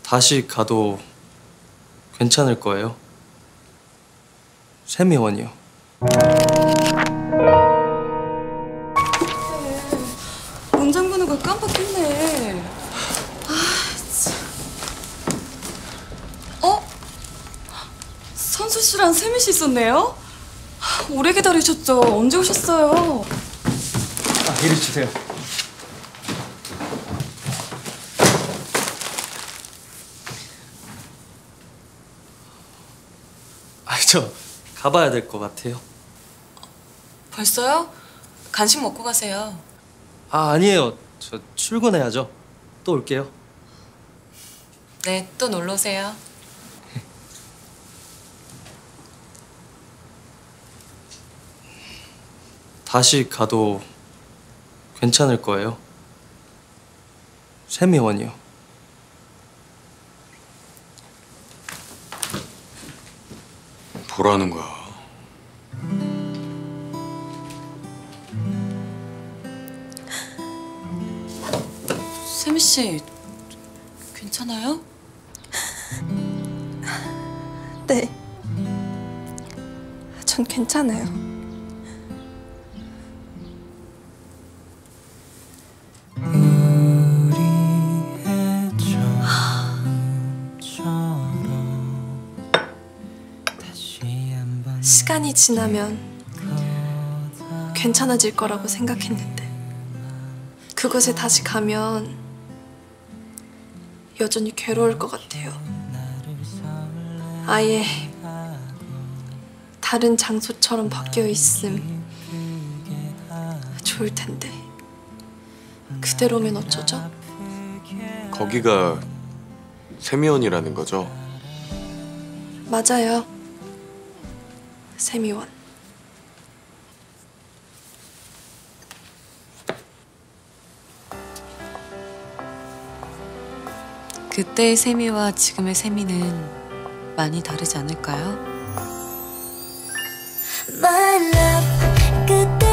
다시 가도 괜찮을 거예요? 세미원이요. 문 잠그는 걸 깜빡했네. 참. 선수 씨랑 세미 씨 있었네요? 오래 기다리셨죠? 언제 오셨어요? 이리 주세요. 저 가봐야 될 것 같아요. 벌써요? 간식 먹고 가세요. 아니에요. 저 출근해야죠. 또 올게요. 네, 또 놀러 오세요. 다시 가도 괜찮을 거예요? 세미원이요. 뭐라는 거야? 세미 씨, 괜찮아요? 네. 전 괜찮아요. 시간이 지나면 괜찮아질 거라고 생각했는데 그곳에 다시 가면 여전히 괴로울 것 같아요. 아예 다른 장소처럼 바뀌어 있음 좋을 텐데 그대로면 어쩌죠? 거기가 세미원이라는 거죠? 맞아요. 세미원. 그때의 세미와 지금의 세미는 많이 다르지 않을까요? My love, 그때